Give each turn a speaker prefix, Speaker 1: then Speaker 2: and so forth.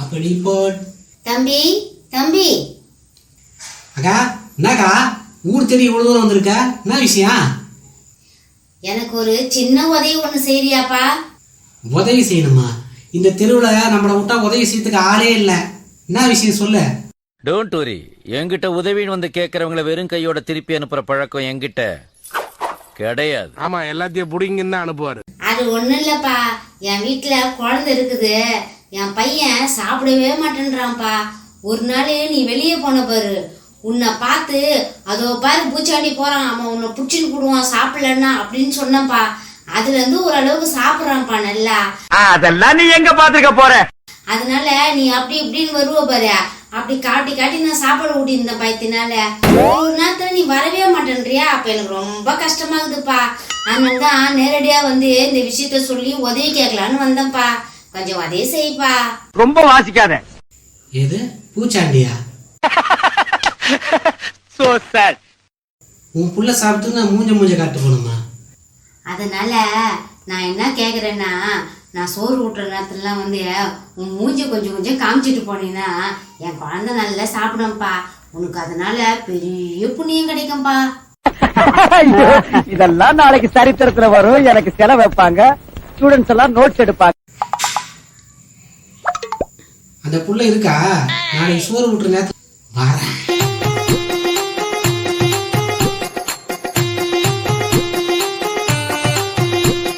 Speaker 1: அப்படி போட்.
Speaker 2: தம்பி தம்பி.
Speaker 1: அக்கா என்னக்கா ஊர் தேடி இவ்வளவு தூரம் வந்திருக்க? என்ன விஷயம்?
Speaker 2: எனக்கு ஒரு சின்ன உதவி ஒண்ணு செய்யறியாப்பா?
Speaker 1: உதவி செய்யணுமா? இந்த தெருவுல நம்மளை விட்டா உதவி செய்யறதுக்கு ஆளே இல்ல. என்ன விஷயம் சொல்லு.
Speaker 3: Don't worry. என்கிட்ட உதவின்னு வந்து கேட்கறவங்கள வெறும் கையோட திருப்பி அனுப்புற பழக்கம் என்கிட்ட கிடையாது.
Speaker 4: ஆமா, எல்லாத்தையும் புடிங்கன்னு தான் அனுப்புவாரு.
Speaker 2: அது ஒண்ணும் இல்லப்பா, என் வீட்டுல குழந்தை இருக்குது. என் பையன் சாப்பிடவே மாட்டேன்றான்ப்பா. ஒரு நாள் நீ வெளியே போன பாரு, உன்னை பார்த்து அதோ பாரு பூச்சாண்டி போறான், அவன் உன்னை புடிச்சுன்னு போடுவான் சாப்பிடலன்னா அப்படின்னு சொன்னப்பா. அதுல இருந்து ஓரளவுக்கு சாப்பிடுறான்ப்பா நல்லா.
Speaker 5: அதெல்லாம் நீ எங்க பாத்துக்க போற? அதனால
Speaker 2: நீ அப்படி இப்படின்னு வருவ பாரு, அப்படி காட்டி காட்டி நான் சாப்பாடு ஊட்டி இருந்தேன் பயத்தினால. ஒரு நேரத்துல நீ வரவே மாட்டேன்றியா, அப்ப எனக்கு ரொம்ப கஷ்டமாகுதுப்பா. அதனாலதான் நேரடியா வந்து இந்த விஷயத்த சொல்லி உதவி கேட்கலான்னு வந்தேன்ப்பா. கொஞ்சம் உதவி செய்ப்பா.
Speaker 5: ரொம்ப வாசிக்காத.
Speaker 1: எது பூச்சாண்டியா?
Speaker 5: So chat.
Speaker 1: உன் புள்ள சாப்பிட்டு நான் மூஞ்ச காட்டு போனோமா?
Speaker 2: அதனால நான் என்ன கேக்குறேன்னா, நான் சோறு ஊட்டுற நேரத்துலலாம் வந்து உன் மூஞ்சி கொஞ்சம் கொஞ்சம் காமிச்சிட்டு போனீங்கன்னா என் குழந்தை நல்லா சாப்பிடும்ப்பா. உனக்கு அதனால பெரிய புண்ணியம் கிடைக்கும்பா.
Speaker 5: இதெல்லாம் நாளைக்கு சரித்திரத்துல வரும். எனக்கு செலவு வைப்பாங்க, ஸ்டூடெண்ட்ஸ் எல்லாம் நோட்ஸ் எடுப்பாங்க.
Speaker 1: அந்த புள்ள இருக்கா? நாளைக்கு சோறு ஊட்டுற நேரத்துல வரேன்.